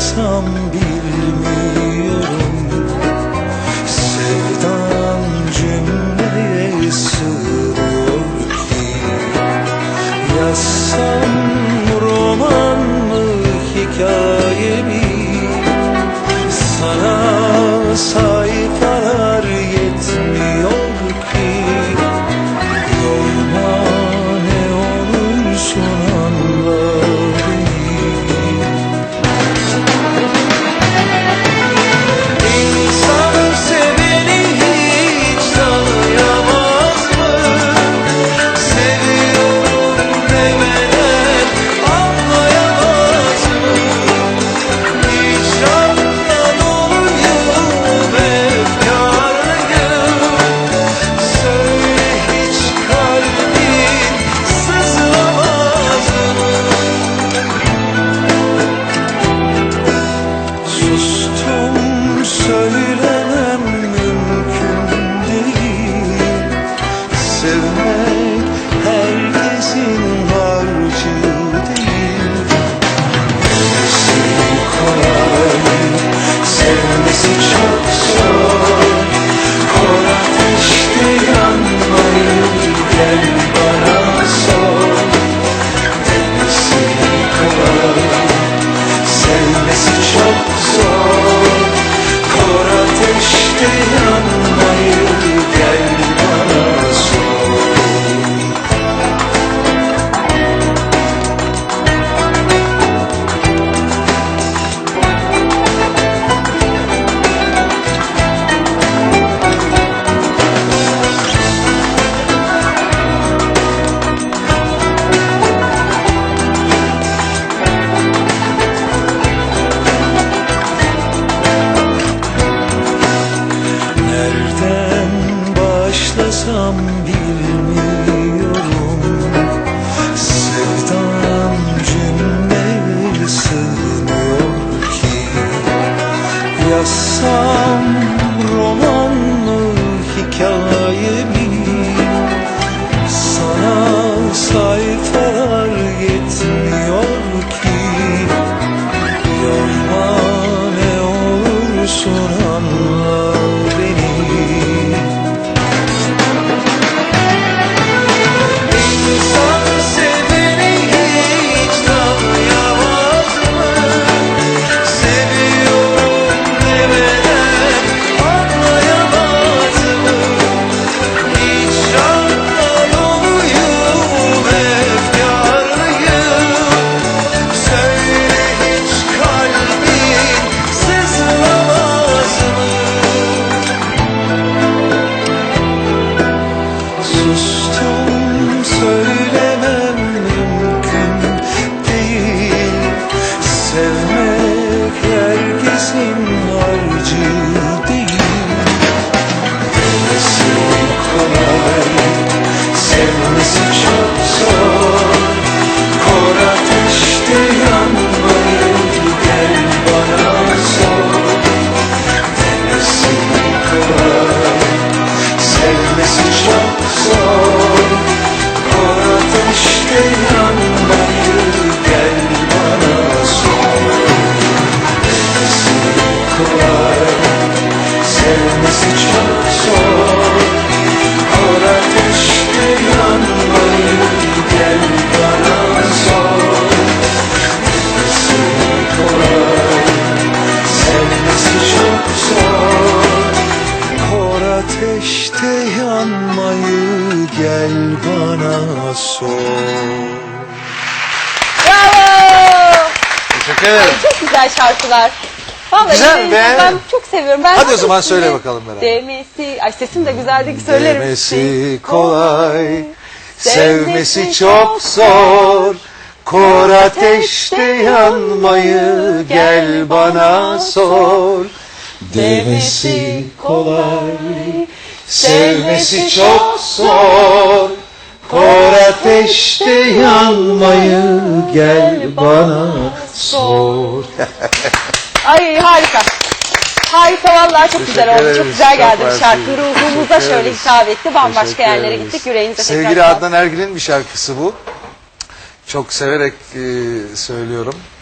başlasam bilmiyorum. Sevdam cümleye sığmıyor ki. Yazsam roman mı, hikaye mi? Sana sayfalar yetmiyor ki. Yorma, ne olursun anla beni. İnsan seveni hiç tanıyamaz mı? Seviyorum demeden anlayamaz mı? Hiç anlamıyorum efkarlıyım. Söyle, hiç kalbin sızlamaz mı? Sustum, söylemem mümkün değil. Sevmek herkesin harcı değil. Sevmesi kolay, sevmesi çok zor. Kor ateşte yanmayı gel bana sor. Sevmesi kolay, sevmesi çok zor. Kor ateşte yanmayı gel bana sor. Nereden başlasam bilmiyorum. Sevdam cümleye sığmıyor ki. Yazsam roman mı, hikaye mi? Sana sayfalar yetmiyor ki. Yorma, ne olursun anla beni. İnsan seveni hiç tanıyamaz mı? Seviyorum demeden anlayamaz mı? Hiç anlamıyorum efkarlıyım. Söyle, hiç kalbin sızlamaz mı? Sustum, söylemem mümkün değil. Sevmek herkesin harcı değil. Sevmesi kolay, sevmesi çok zor. Kor ateşte yanmayı gel bana sor. Sevmesi kolay, sevmesi çok zor. Kor ateşte yanmayı gel bana sor. Sevmesi kolay, sevmesi çok zor. Kor ateşte yanmayı gel bana sor. Sevmesi kolay, sevmesi çok zor. Kor ateşte yanmayı gel bana sor. Bravo! Teşekkür ederim. Çok güzel şarkılar. Vallahi Güzel, ben beğendim. çok seviyorum. Ben Hadi o zaman söyle bakalım beraber. Demesi, ay sesim de güzeldi ki söylerim. Demesi kolay, sevmesi çok zor. Kor ateşte yanmayı gel bana sor. Demesi kolay, sevmesi çok zor. Kor ateşte yanmayı gel bana sor. Ay harika. Harika vallahi çok güzel oldu. ederiz. Çok güzel geldi Çok bu şarkı. mersi. Ruhumuza Teşekkür şöyle ederiz. hitap etti. Bambaşka Teşekkür yerlere ederiz. gittik. Yüreğinize Sevgili tekrar sağlık. Adnan Ergil'in bir şarkısı bu. Çok severek söylüyorum.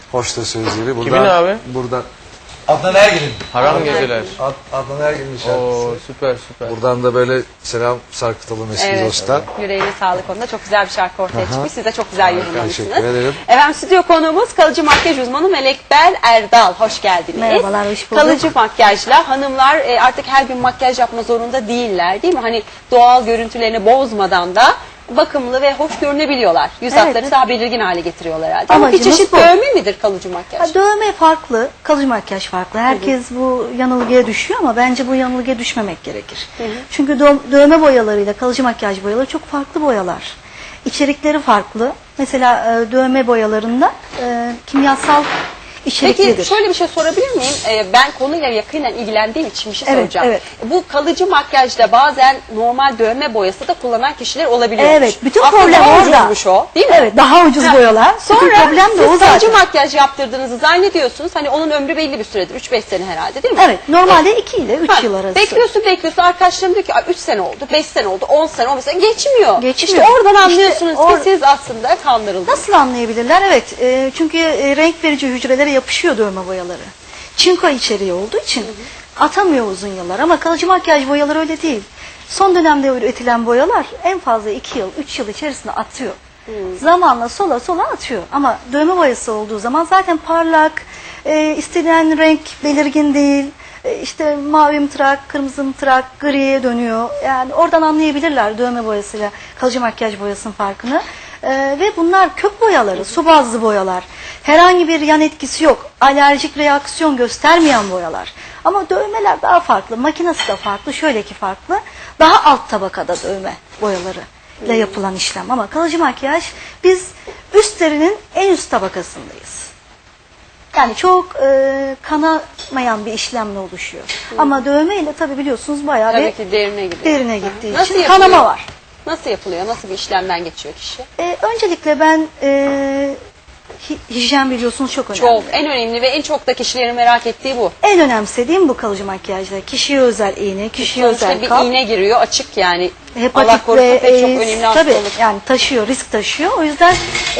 Hoş da sözleri. Buradan, Kimin abi? Buradan. Adnan Ergil'in. Haram geceler. Adnan Ergil'in şarkısı. Oo süper süper. Buradan da böyle selam sarkıtalım eski Evet. dosta. Yüreğine sağlık onda. Çok güzel bir şarkı ortaya çıkmış. Siz de çok güzel yorumlamışsınız. Teşekkür ederim. Efendim stüdyo konuğumuz kalıcı makyaj uzmanı Melek Bel Erdal. Hoş geldiniz. Merhabalar, hoş bulduk. Kalıcı makyajla hanımlar artık her gün makyaj yapma zorunda değiller değil mi? Hani doğal görüntülerini bozmadan da bakımlı ve hoş görünebiliyorlar. Yüz Evet. hatlarını daha belirgin hale getiriyorlar herhalde. Ama bir Amacımız çeşit bu. dövme midir kalıcı makyaj? Ha, dövme farklı, kalıcı makyaj farklı. Herkes bu yanılgıya düşüyor ama bence bu yanılgıya düşmemek gerekir. Çünkü dövme boyalarıyla kalıcı makyaj boyaları çok farklı boyalar. İçerikleri farklı. Mesela dövme boyalarında kimyasal içeriklidir. Peki şöyle bir şey sorabilir miyim? Ben konuyla yakinen ilgilendiğim için bir şey Evet, soracağım. evet. Bu kalıcı makyajda bazen normal dövme boyası da kullanan kişiler olabiliyor. Evet, bütün Aslında problem daha orada. ucuzmuş o, değil mi? Evet, daha ucuz Ha, boyalar. Bütün Sonra problem de o siz kalıcı zaten. makyaj yaptırdığınızı zannediyorsunuz. Hani onun ömrü belli bir süredir. 3-5 sene herhalde değil mi? Evet, normalde 2 ile 3 Ha, yıl arası. Bekliyorsun. Arkadaşlarım diyor ki 3 sene oldu, 5 sene oldu, 10 sene, 15 sene geçmiyor. Geçmiyor. İşte oradan İşte anlıyorsunuz ki siz aslında kandırıldınız. Nasıl anlayabilirler? Evet, çünkü renk verici hücrelere yapışıyor dövme boyaları. Çinko içeriği olduğu için atamıyor uzun yıllar. Ama kalıcı makyaj boyaları öyle değil. Son dönemde üretilen boyalar en fazla 2 yıl, 3 yıl içerisinde atıyor. Zamanla sola sola atıyor. Ama dövme boyası olduğu zaman zaten parlak, istenilen renk belirgin değil. İşte mavi mıtırak, kırmızı mıtırak, griye dönüyor. Yani oradan anlayabilirler dövme boyasıyla kalıcı makyaj boyasının farkını. Ve bunlar kök boyaları, su bazlı boyalar. Herhangi bir yan etkisi yok. Alerjik reaksiyon göstermeyen boyalar. Ama dövmeler daha farklı. Makinesi de farklı. Şöyle ki farklı. Daha alt tabakada dövme boyaları ile yapılan işlem. Ama kalıcı makyaj biz üst derinin en üst tabakasındayız. Yani çok kanamayan bir işlemle oluşuyor. Ama dövme ile tabi biliyorsunuz bayağı Tabii bir ki derine gidiyor. derine gittiği Nasıl için yapılıyor? kanama var. Nasıl yapılıyor? Nasıl bir işlemden geçiyor kişi? Öncelikle ben hijyen biliyorsunuz çok önemli. Çok. En önemli ve en çok da kişilerin merak ettiği bu. En önemsediğim bu kalıcı makyajda. Kişiye özel iğne, kişiye Sonuçta özel bir kap. iğne giriyor açık yani. Allah Hepatit korusun ve pek çok AIDS, önemli hasta tabii olur. yani taşıyor, risk taşıyor. O yüzden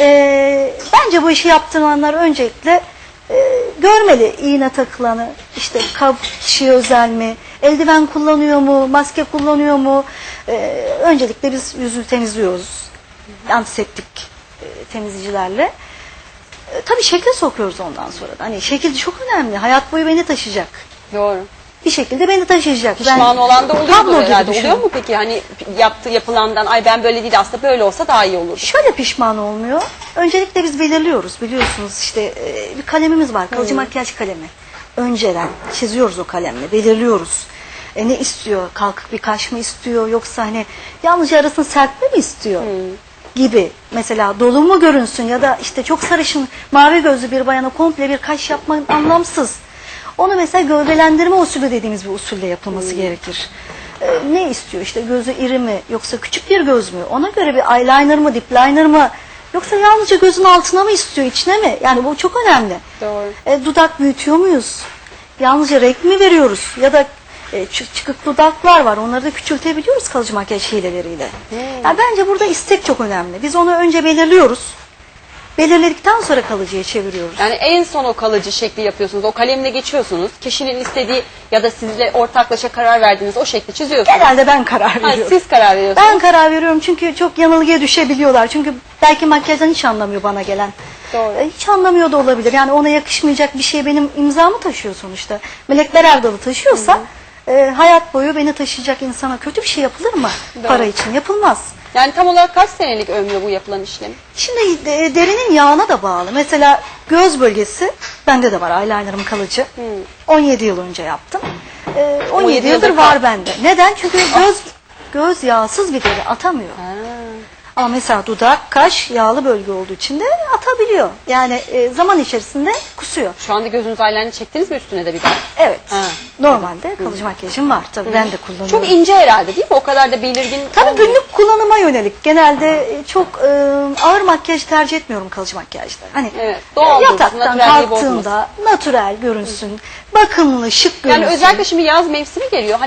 bence bu işi yaptıranlar öncelikle görmeli iğne takılanı, işte kap kişiye özel mi, eldiven kullanıyor mu, maske kullanıyor mu? Öncelikle biz yüzü temizliyoruz. Antiseptik temizleyicilerle. Tabii şekil sokuyoruz ondan sonra da. Hani şekil çok önemli. Hayat boyu beni taşıyacak. Doğru. Bir şekilde beni taşıyacak. Pişman olan da oluyor tablo mu gibi herhalde? düşünün. Oluyor mu peki? Hani yapılandan ay ben böyle değil aslında böyle olsa daha iyi olurdu. Şöyle pişman olmuyor. Öncelikle biz belirliyoruz. Biliyorsunuz işte bir kalemimiz var. Kalıcı makyaj kalemi. Önceden çiziyoruz o kalemle. Belirliyoruz. Ne istiyor? Kalkık bir kaş mı istiyor? Yoksa hani yalnızca arasını serpme mi istiyor? Gibi. Mesela dolu mu görünsün ya da işte çok sarışın mavi gözlü bir bayana komple bir kaş yapmak anlamsız. Onu mesela gövdelendirme usulü dediğimiz bir usulle yapılması gerekir. Ne istiyor? İşte gözü iri mi yoksa küçük bir göz mü? Ona göre bir eyeliner mı, dip liner mı? Yoksa yalnızca gözün altına mı istiyor, içine mi? Yani bu çok önemli. Doğru. Dudak büyütüyor muyuz? Yalnızca renk mi veriyoruz? Ya da çıkık dudaklar var. Onları da küçültebiliyoruz kalıcı makyaj hileleriyle. Yani bence burada istek çok önemli. Biz onu önce belirliyoruz. Belirledikten sonra kalıcıya çeviriyoruz. Yani en son o kalıcı şekli yapıyorsunuz. O kalemle geçiyorsunuz. Kişinin istediği ya da sizle ortaklaşa karar verdiğiniz o şekli çiziyorsunuz. Genelde ben karar Ha, veriyorum. siz karar veriyorsunuz. Ben karar veriyorum çünkü çok yanılgıya düşebiliyorlar. Çünkü belki makyajdan hiç anlamıyor bana gelen. Doğru. Hiç anlamıyor da olabilir. Yani ona yakışmayacak bir şey benim imzamı taşıyor sonuçta. Melekler Erdal'ı taşıyorsa hayat boyu beni taşıyacak insana kötü bir şey yapılır mı? Doğru. Para için yapılmaz. Yani tam olarak kaç senelik ömrü bu yapılan işlem? Şimdi derinin yağına da bağlı. Mesela göz bölgesi bende de var. Eyelinerım kalıcı. 17 yıl önce yaptım. 17 yıldır var bende. Neden? Çünkü göz yağsız bir deri atamıyor. Ama mesela dudak, kaş yağlı bölge olduğu için de atabiliyor. Yani zaman içerisinde kusuyor. Şu anda gözünüz eyeliner çektiniz mi üstüne de bir bak? Evet. Ha. Normalde kalıcı makyajım var. Tabii ben de kullanıyorum. Çok ince herhalde değil mi? O kadar da belirgin Tabii olmuyor. günlük kullanıma yönelik. Genelde çok ağır makyaj tercih etmiyorum kalıcı makyajda. Hani Evet, doğal dursun, yataktan natürelliği kalktığında natürel görünsün. Bakımlı, şık görünsün. Yani özellikle şimdi yaz mevsimi geliyor. Hani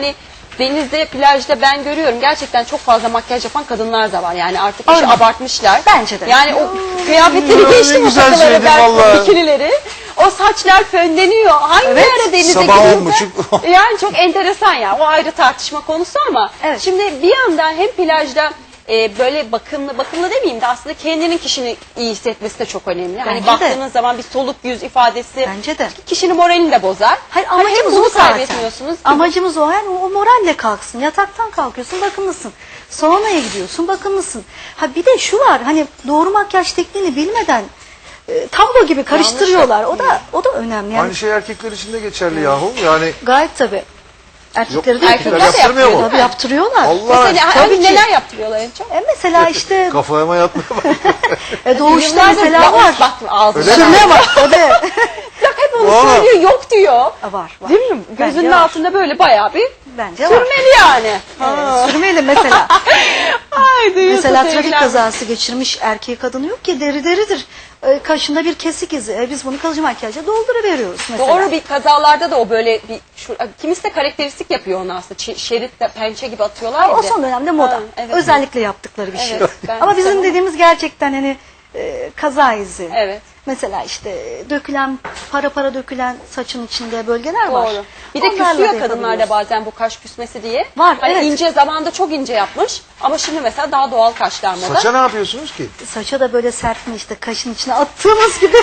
denizde, plajda ben görüyorum. Gerçekten çok fazla makyaj yapan kadınlar da var. Yani artık işi Aynen. abartmışlar. Bence de. Yani o kıyafetleri geçtim, o güzel takıları, söyledin ben vallahi. bikinileri. O saçlar fönleniyor. Hangi Evet. ara denize Sabah gidiyorsa. 10.30. Yani çok enteresan ya. O ayrı tartışma konusu ama. Evet. Şimdi bir yandan hem plajda böyle bakımlı demeyeyim de aslında kendinin kişini iyi hissetmesi de çok önemli. Hani Bence de. baktığınız zaman bir soluk yüz ifadesi Bence de. kişinin moralini de bozar. Hayır, Hani hem amacımız bunu o zaten. kaybetmiyorsunuz. Amacımız o. Yani o moralle kalksın. Yataktan kalkıyorsun, bakımlısın. Saunaya gidiyorsun, bakımlısın. Ha bir de şu var. Hani doğru makyaj tekniğini bilmeden tablo gibi karıştırıyorlar. O da önemli. Yani Aynı şey erkekler için de geçerli yahu. Yani gayet tabii. Erkekleri Yok, de erkekler yapıyorlar. de yaptırmıyor mu? yapıyor, Tabii yaptırıyorlar. Allah Mesela Tabii hani ki. neler yaptırıyorlar en çok? Mesela işte kafama yatmaya bak. doğuşta Yıllardır mesela var. Bak ağzına. Öyle mi? Sürmeye bak. Tabii. Bak hep onu Vallahi. söylüyor, yok diyor. Var. Değil mi? Gözünün Bence var. altında böyle bayağı bir Bence var. sürmeli yani. Sürmeli mesela. Ay duyuyorsun Mesela trafik sevgiler. kazası geçirmiş erkeği kadını yok ki deridir. Kaşında bir kesik izi. Biz bunu kalıcı makyajla dolduruveriyoruz mesela. Doğru, bir kazalarda da o böyle bir kimisi de karakteristik yapıyor onu aslında. Şerit de pençe gibi atıyorlar ya. O bir de. son dönemde moda. Ha, evet. Özellikle yaptıkları bir şey. Evet, ben Ama bizim istemem. dediğimiz gerçekten hani kaza izi. Evet. Mesela işte dökülen, para dökülen saçın içinde bölgeler var. Doğru. Bir de Onlarla küsüyor da kadınlarda yapabiliyoruz. bazen bu kaş küsmesi diye. Var, Hani evet. ince zamanda çok ince yapmış ama şimdi mesela daha doğal kaşlar moda. Saça ne yapıyorsunuz ki? Saça da böyle sertme işte kaşın içine attığımız gibi.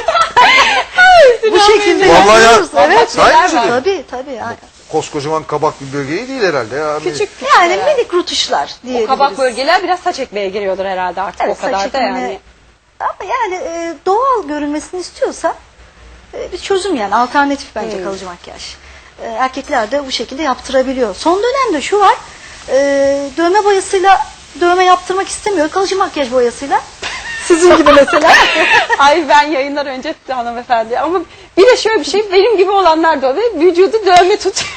Bu şekilde Vallahi ya. yapıyoruz. Evet. Sahi mi? Tabii. Yani, Koskocaman kabak bir bölgeyi değil herhalde ya. Küçük yani herhalde. minik rutuşlar O diyebiliriz. kabak bölgeler biraz saç ekmeye giriyordur herhalde artık Evet, o kadar saç da ekimine- yani. Ama yani doğal görünmesini istiyorsa bir çözüm yani alternatif bence kalıcı makyaj. Erkekler de bu şekilde yaptırabiliyor. Son dönemde şu var, dövme boyasıyla dövme yaptırmak istemiyor. Kalıcı makyaj boyasıyla. Sizin gibi mesela. Ay ben yayınlar önce hanımefendi ama bir de şöyle bir şey benim gibi olanlar da oluyor. Vücudu dövme tutuyor.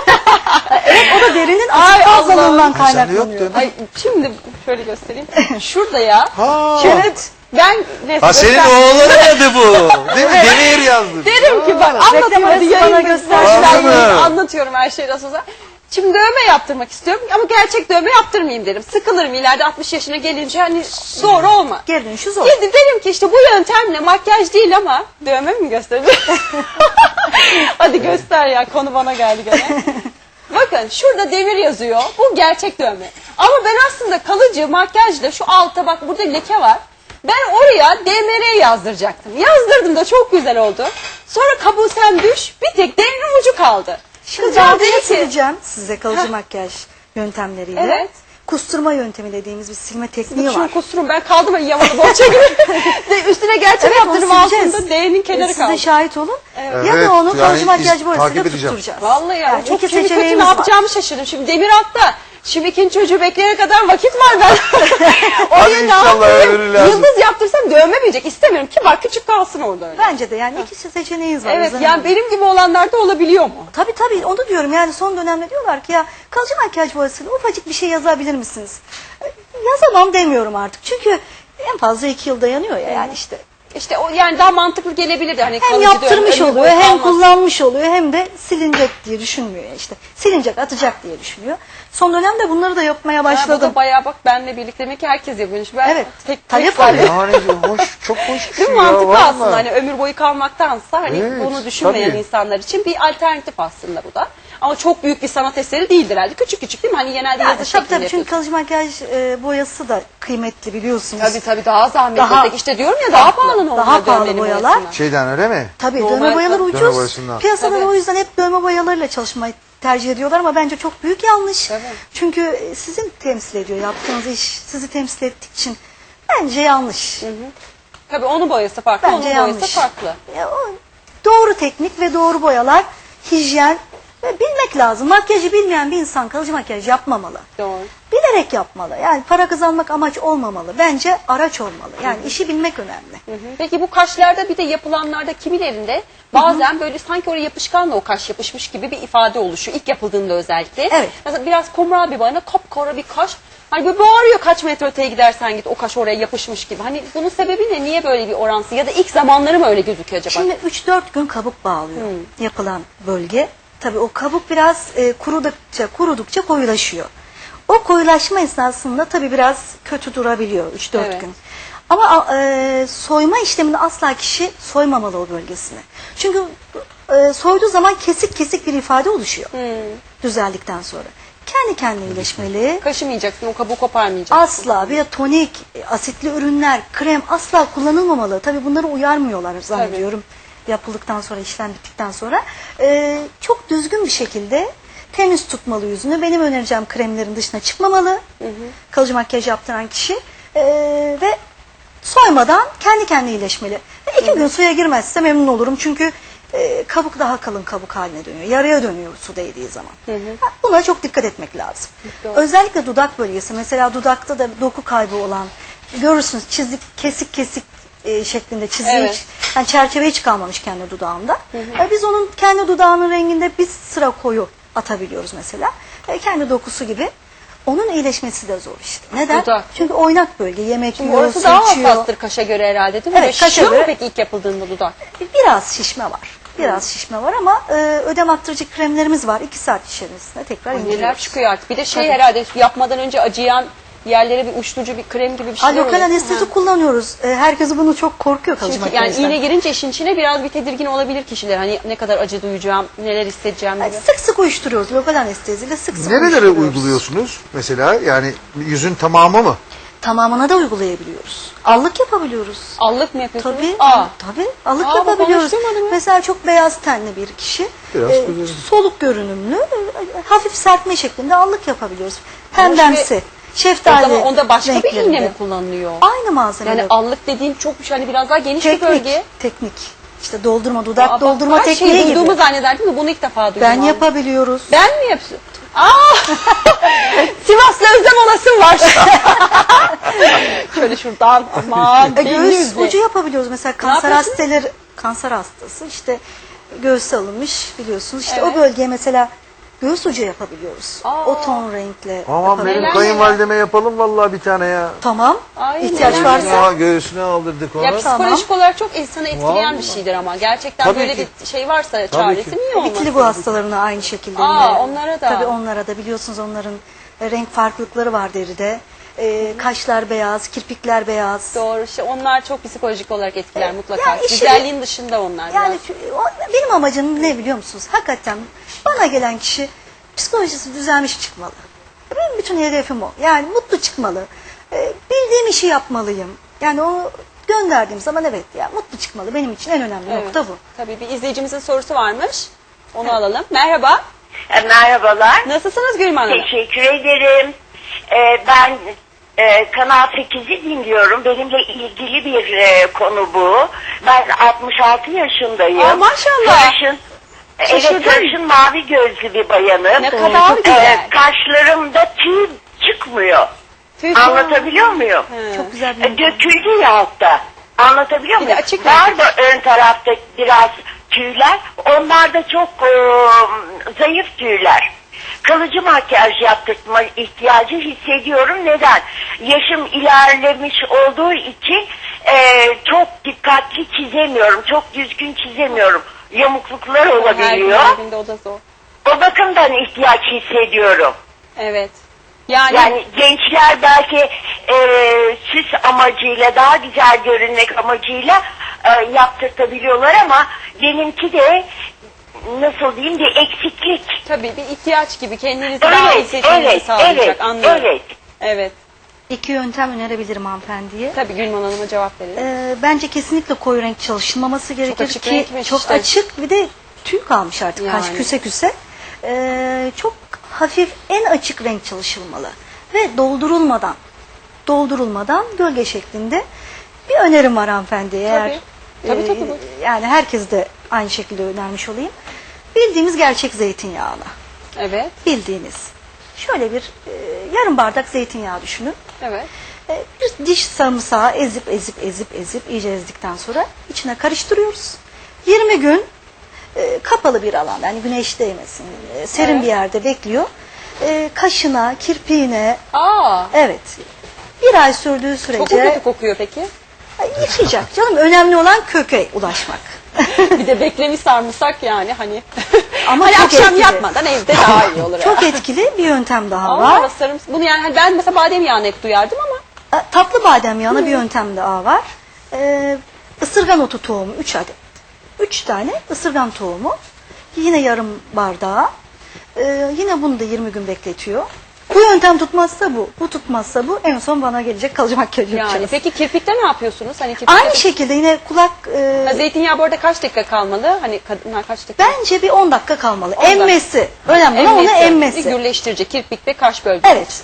O da derinin Ay fazlalığından Allah'ım. Sende yok kaynaklanıyor. dövme. Ay şimdi şöyle göstereyim. Şurada ya. Ha. Evet. Ben Ha senin oğlanın adı bu. Değil mi? Demir yazdı. derim ki bak anlatayım Reklam hadi arası bana yayın göster. Anladım. anlatıyorum her şeyi nasıl olsa. Şimdi dövme yaptırmak istiyorum ama gerçek dövme yaptırmayayım derim. Sıkılırım ileride 60 yaşına gelince hani doğru olma. Geri dönüşü zor. Derim ki işte bu yöntemle makyaj değil ama dövme mi göstereyim? Hadi göster ya, konu bana geldi gene. Bakın şurada demir yazıyor. Bu gerçek dövme. Ama ben aslında kalıcı makyajla şu altta bak burada leke var. Ben oraya DMR yazdıracaktım. Yazdırdım da çok güzel oldu. Sonra kabuğu sen düş, bir tek demirin ucu kaldı. Şimdi Kızcağız ben dedi ki, sileceğim size kalıcı Heh. makyaj yöntemleriyle. Evet. Kusturma yöntemi dediğimiz bir silme tekniği var. şunu kusturum ben kaldım ya yamalı bohça gibi. Üstüne gerçek Evet, yaptırım onu sileceğiz. altında D'nin kenarı Siz kaldı. de şahit olun. Evet. Ya da onu Yani kalıcı makyaj takip boyasıyla edeceğim. tutturacağız. Vallahi ya Yani çok iki çünkü kötü seçeneğimiz ne var. yapacağımı şaşırdım. Şimdi demir altta. Şimdi ikinci çocuğu bekleyene kadar vakit var ben. Hadi Oraya ne inşallah yapayım? öyle lazım. Yıldız yaptırsam dövmemeyecek. İstemiyorum ki bak küçük kalsın orada öyle. Bence de yani iki seçeneğiniz var. Evet Özlem yani Hanım. benim gibi olanlarda olabiliyor mu? Tabii onu diyorum yani son dönemde diyorlar ki ya kalıcı makyaj boyasıyla ufacık bir şey yazabilir misiniz? Yazamam demiyorum artık çünkü en fazla 2 yıl dayanıyor ya yani işte. İşte o yani daha mantıklı gelebilirdi. Hani Hem kalıcı yaptırmış dövme, ömür oluyor boyu hem kalmaz. kullanmış oluyor hem de silinecek diye düşünmüyor işte. Silinecek atacak diye düşünüyor. Son dönemde bunları da yapmaya Ha, bu başladım. da bayağı bak benle birlikte demek ki herkes yapıyormuş. Ben Evet, tek talep var. var. Yani hoş, çok hoş bir Değil şey mi? ya. Mantıklı vallahi. aslında hani ömür boyu kalmaktansa hani Evet, bunu düşünmeyen tabii. insanlar için bir alternatif aslında bu da. Ama çok büyük bir sanat eseri değildir herhalde. Küçük küçük değil mi? Hani genelde Yani, yazı şeklinde tabii çünkü yapıyorsun. kalıcı makyaj boyası da kıymetli biliyorsunuz. Tabii daha zahmetli. Daha- Tek işte diyorum ya daha pahalı normal daha pahalı dövmenin boyalar. boyasından. Şeyden öyle mi? Tabii Normal dövme boyaları dövme ucuz. boyasından. Piyasada Tabii. o yüzden hep dövme boyalarıyla çalışmayı tercih ediyorlar ama bence çok büyük yanlış. Tabii. Çünkü sizin temsil ediyor yaptığınız iş sizi temsil ettiği için bence yanlış. Tabii onun boyası farklı, Bence onun yanlış. boyası farklı. Ya, doğru teknik ve doğru boyalar, hijyen ve bilmek lazım. Makyajı bilmeyen bir insan kalıcı makyaj yapmamalı. Doğru. Bilerek yapmalı. Yani para kazanmak amaç olmamalı. Bence araç olmalı. Yani işi bilmek önemli. Peki bu kaşlarda bir de yapılanlarda kimilerinde bazen böyle sanki oraya yapışkanla o kaş yapışmış gibi bir ifade oluşuyor. İlk yapıldığında özellikle. Evet. Mesela biraz kumral bir bana kapkara bir kaş. Hani böyle bağırıyor kaç metre öteye gidersen git o kaş oraya yapışmış gibi. Hani bunun sebebi ne? Niye böyle bir oransı? Ya da ilk zamanları mı öyle gözüküyor acaba? Şimdi 3-4 gün kabuk bağlıyor yapılan bölge. Tabii o kabuk biraz kurudukça koyulaşıyor. O koyulaşma esnasında tabii biraz kötü durabiliyor 3-4 Evet. gün. Ama soyma işlemini asla kişi soymamalı o bölgesini. Çünkü soyduğu zaman kesik kesik bir ifade oluşuyor düzeldikten sonra. Kendi kendine iyileşmeli. Kaşımayacaksın, o kabuğu koparmayacaksın. Asla bir tonik, asitli ürünler, krem asla kullanılmamalı. Tabii bunları uyarmıyorlar zannediyorum. Yapıldıktan sonra, işlem bittikten sonra. Çok düzgün bir şekilde temiz tutmalı yüzünü. Benim önereceğim kremlerin dışına çıkmamalı. Kalıcı makyaj yaptıran kişi. Ve soymadan kendi kendine iyileşmeli. Ve 2 gün suya girmezse memnun olurum. Çünkü kabuk daha kalın kabuk haline dönüyor. Yarıya dönüyor su değdiği zaman. Buna çok dikkat etmek lazım. Doğru. Özellikle dudak bölgesi. Mesela dudakta da doku kaybı olan görürsünüz çizik kesik kesik şeklinde çizgi Evet. yani çerçeve hiç kalmamış kendi dudağında. Biz onun kendi dudağının renginde bir sıra koyu atabiliyoruz mesela. Kendi dokusu gibi. Onun iyileşmesi de zor işte. Neden? Dudak. Çünkü oynak bölge. Yemek yiyor, Orası su daha içiyor. hassastır kaşa göre herhalde değil mi? Evet, Böyle kaşa şişiyor mu göre. peki ilk yapıldığında dudak? Biraz şişme var. Biraz şişme var ama ödem attırıcı kremlerimiz var. 2 saat içerisinde tekrar Neler indiriyoruz. çıkıyor artık. Bir de Tabii. herhalde yapmadan önce acıyan yerlere bir uyuşturucu bir krem gibi bir şey Lokal anestezi kullanıyoruz. Herkes bunu çok korkuyor kalıcı Çünkü yani makyajdan. iğne girince işin içine biraz bir tedirgin olabilir kişiler. Hani ne kadar acı duyacağım, neler hissedeceğim gibi. Yani sık sık uyuşturuyoruz. Lokal anesteziyle sık sık Nerelere uyuşturuyoruz. uyguluyorsunuz mesela? Yani yüzün tamamı mı? Tamamına da uygulayabiliyoruz. Allık yapabiliyoruz. Allık mı yapıyorsunuz? Tabii. Aa. Tabii. Allık Aa, bak, yapabiliyoruz. konuşturmadın mı? Mesela çok beyaz tenli bir kişi. Biraz güzel. Soluk görünümlü, hafif serpme şeklinde allık yapabiliyoruz. Pembemsi. Şeftali O zaman onda başka bir renklerinde. iğne mi kullanılıyor? Aynı malzeme. Yani allık dediğin çok bir şey, hani biraz daha geniş bir bölge. Teknik. İşte doldurma, dudak Aa, doldurma her tekniği şeyi gibi. duyduğumu zannederdim de bunu ilk defa duydum. Ben abi. yapabiliyoruz. Ben mi yapıyorum? Aa! Sivas'ta özlem olasım var. Şöyle şuradan aman. belli Göğüs yüzle. ucu yapabiliyoruz. Mesela kanser yapıyorsunuz? kanser hastası işte göğüs alınmış biliyorsunuz. İşte Evet. o bölgeye mesela göğüs ucu yapabiliyoruz. Aa. O ton renkle Aman yapabiliyoruz. benim kayınvalideme yapalım vallahi bir tane ya. Tamam. Ay, İhtiyaç neler varsa. Ya göğsüne aldırdık onu. Ya psikolojik olarak çok insanı etkileyen Vallahi. bir şeydir ama. Gerçekten Tabii böyle ki. bir şey varsa çaresi ki. niye olmasın? Vitiligo hastalarına aynı şekilde. Aa, yine. onlara da. Tabii onlara da biliyorsunuz onların renk farklılıkları var deride. Kaşlar beyaz, kirpikler beyaz. Doğru. İşte onlar çok psikolojik olarak etkiler mutlaka. yani işi- Güzelliğin dışında onlar. Yani biraz. benim amacım ne biliyor musunuz? Hakikaten bana gelen kişi psikolojisi düzelmiş çıkmalı. Benim bütün hedefim o. Yani mutlu çıkmalı. Bildiğim işi yapmalıyım. Yani o gönderdiğim zaman evet ya mutlu çıkmalı. Benim için en önemli Evet. nokta bu. Tabii bir izleyicimizin sorusu varmış. Onu alalım. Merhaba. Merhabalar. Nasılsınız Gülüm Hanım? Teşekkür ederim. Ben Kanal 8'i dinliyorum. Benimle ilgili bir konu bu. Ben 66 yaşındayım. Aa, maşallah. Sarışın, Şaşırdım. evet, sarışın mavi gözlü bir bayanım. Ne kadar güzel. Kaşlarımda tüy çıkmıyor. Tüy- Anlatabiliyor muyum? Çok güzel bir Döküldü ya altta. Anlatabiliyor Bir de muyum? açık Var renk. da ön tarafta biraz tüyler. Onlar da çok zayıf tüyler. Kalıcı makyaj yaptırma ihtiyacı hissediyorum. Neden? Yaşım ilerlemiş olduğu için çok dikkatli çizemiyorum. Çok düzgün çizemiyorum. Yamukluklar olabiliyor. Her günde o da zor. O bakımdan ihtiyaç hissediyorum. Evet. Yani, Yani gençler belki süs amacıyla, daha güzel görünmek amacıyla yaptırtabiliyorlar ama benimki de nasıl diyeyim bir eksiklik. tabii bir ihtiyaç gibi kendinizi daha iyi seçmenizi sağlayacak. Anlıyorum. evet. Evet. 2 yöntem önerebilirim hanımefendiye. Tabii Gülman Hanım'a cevap verelim. Bence kesinlikle koyu renk çalışılmaması gerekir açık ki renkmiş çok işte. açık bir de tüy kalmış artık kaş Yani. küse küse. Çok hafif en açık renk çalışılmalı ve doldurulmadan gölge şeklinde bir önerim var hanımefendiye. Eğer Tabii, tabii, buyurun. yani herkes de aynı şekilde önermiş olayım. Bildiğimiz gerçek zeytinyağını. Evet. Bildiğiniz. Şöyle bir yarım bardak zeytinyağı düşünün. Evet. Bir diş sarımsağı ezip iyice ezdikten sonra içine karıştırıyoruz. 20 gün kapalı bir alanda yani güneş değmesin serin Evet. bir yerde bekliyor. Kaşına, kirpiğine Aa. evet bir ay sürdüğü Çok mu kötü sürece kokuyor peki? yıkayacak canım önemli olan köke ulaşmak. Bir de beklemiş sarımsak yani hani. Ama hani çok akşam etkili. yatmadan evde daha iyi olur. Çok etkili bir yöntem daha Allah var. sarımsak. Bunu yani hani ben mesela badem yağını hep duyardım ama. Tatlı badem yağına bir yöntem daha var. Isırgan otu tohumu 3 adet. 3 tane ısırgan tohumu. Yine yarım bardağı. Yine bunu da 20 gün bekletiyor. Bu yöntem tutmazsa bu. Bu tutmazsa bu. En son bana gelecek kalıcı makyaj yapacağız. Yani peki kirpikte ne yapıyorsunuz? Hani kirpikte Aynı şekilde yine kulak... Ha, zeytinyağı bu arada kaç dakika kalmalı? Hani kadınlar kaç dakika? bence bir 10 dakika kalmalı. 10 dakika. Emmesi. Önemli olan onu emmesi. Gürleştirici kirpik ve kaş bölgesi. Evet.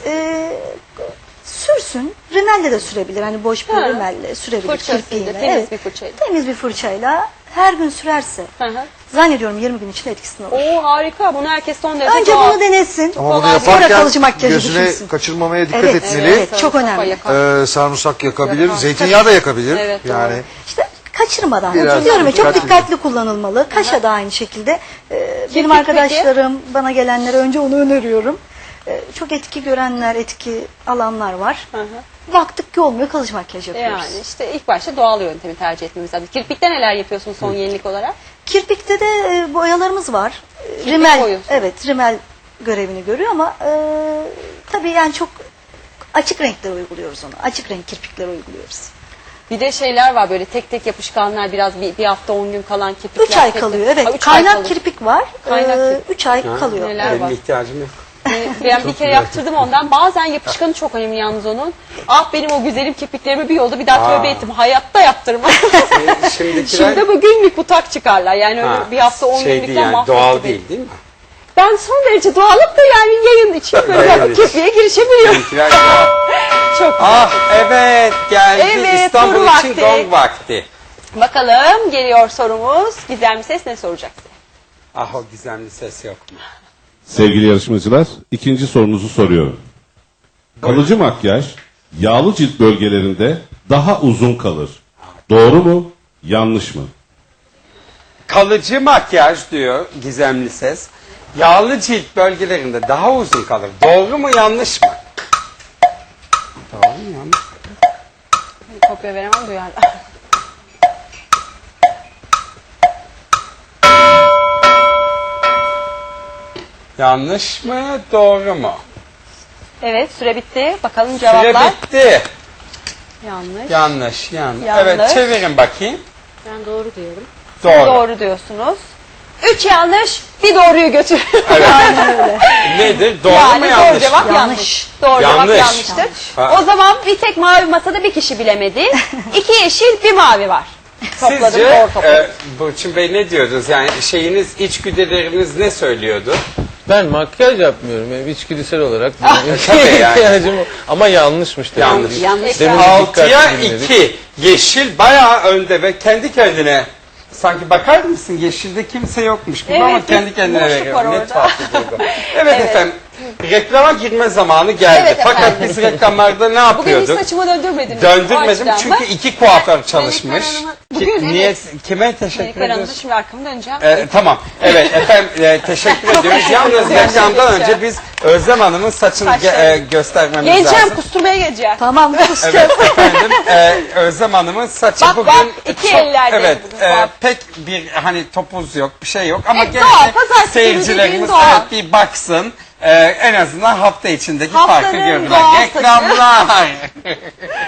Sürsün. Rimelle de sürebilir. Hani boş bir Ha. rimelle sürebilir. Fırçasıyla, kirpiğiyle. temiz Evet. bir fırçayla. Temiz bir fırçayla her gün sürerse Hı hı. zannediyorum 20 gün içinde etkisini alır. Oo harika. Bunu herkes son derece Önce doğal. bunu denesin. Ama bunu Kolay. Sonra yaparken kalıcı makyajı gözüne düşünsün. kaçırmamaya dikkat Evet, etmeli. evet, çok Sarımsak önemli. yakar. Sarımsak yakabilir, Yakar. zeytinyağı da yakabilir. Evet, doğru. yani İşte kaçırmadan. Biraz Diyorum ya, çok dikkatli. dikkatli kullanılmalı. Kaşa da aynı şekilde. Benim peki? arkadaşlarım, bana gelenlere önce onu öneriyorum. Çok etki görenler, etki alanlar var. Hı hı. Baktık ki olmuyor, kalıcı makyaj yapıyoruz. Yani işte ilk başta doğal yöntemi tercih etmemiz lazım. Kirpikte neler yapıyorsunuz son yenilik olarak? Kirpikte de boyalarımız var. Rimel, boyuyorsun. evet, rimel görevini görüyor ama tabii yani çok açık renkler uyguluyoruz onu. Açık renk kirpikler uyguluyoruz. Bir de şeyler var böyle tek tek yapışkanlar biraz bir hafta 10 gün kalan kirpikler. 3 ay tek- kalıyor, Ha, evet. 3 ay Kaynak kalıyor. kirpik var. Kaynak kirpik. 3 ay kalıyor. Neler var? Benim ihtiyacım yok. Ben bir kere yaptırdım ondan. Bazen yapışkanı çok önemli yalnız onun. Ah benim o güzelim kirpiklerimi bir yolda bir daha tövbe ettim. Hayatta yaptırmam. Şimdikiler Şimdi bu günlük butak çıkarlar. Yani öyle Ha, bir hafta 10 şey günlükten değil yani mahvetti doğal beni. değil mi? Ben son derece doğalım da yani yayın için böyle Yayın ben için. kirpiğe girişebiliyorum. Şimdikiler doğal. Çok Ah evet geldi Evet, İstanbul soru için vakti. gong vakti. Bakalım geliyor sorumuz. Gizemli ses ne soracak size? Ah o gizemli ses yok mu? Sevgili yarışmacılar, ikinci sorunuzu soruyorum. Kalıcı makyaj, yağlı cilt bölgelerinde daha uzun kalır. Doğru mu, yanlış mı? Kalıcı makyaj diyor gizemli ses. Yağlı cilt bölgelerinde daha uzun kalır. Doğru mu yanlış mı? Doğru mu yanlış mı? Kopya veremem duyarlar. Yanlış mı doğru mu? Evet süre bitti. Bakalım Süre cevaplar. bitti. Yanlış. Yanlış. Yanlış. Evet çevirin bakayım. Ben doğru diyorum. Doğru. Doğru diyorsunuz. 3 yanlış, bir doğruyu götür. Nedir? Doğru yani mu doğru yanlış cevap mı? yanlış. Doğru Yanlış. cevap yanlıştır. Ha. O zaman bir tek mavi masada bir kişi bilemedi. 2 yeşil, bir mavi var. Topladım, Sizce doğru topladım. Burçin Bey ne diyordunuz? Yani şeyiniz, içgüdüleriniz ne söylüyordu? Ben makyaj yapmıyorum. Benim içgüdüsel olarak tabii yani. ihtiyacım o. Ama yanlışmış demek. Yanlış. Yanlış. Demin de 6'ya dikkatli dinledik. 2. Yeşil bayağı önde ve kendi kendine sanki bakar mısın yeşilde kimse yokmuş gibi Evet, ama kendi kendine boşluk veriyor. var Ne orada. tuhaf bir duygu. Evet efendim. Reklama girme zamanı geldi. Evet Fakat efendim. biz reklamlarda ne Bugün hiç yapıyorduk? saçımı döndürmediniz. Döndürmedim O açıdan çünkü mı? 2 kuaför çalışmış. Melekler Hanım'a- Bugün Niye, evet. kime teşekkür Melekler Hanım'a ediyoruz? şimdi arkamı döneceğim. Tamam. Evet efendim teşekkür ediyoruz. Yalnız reklamdan önce biz Özlem Hanım'ın saçını Saçları. göstermemiz Geleceğim, lazım. kusturmaya geleceğim. Tamam. Evet efendim Özlem Hanım'ın saçı Bak, bugün bak, iki ellerde evet bugün var. pek bir hani topuz yok bir şey yok ama Evet, gene doğal, de pazartesi seyircilerimiz günü doğal. evet bir baksın en azından hafta içindeki Haftanın farkı görürler. doğal Reklamlar.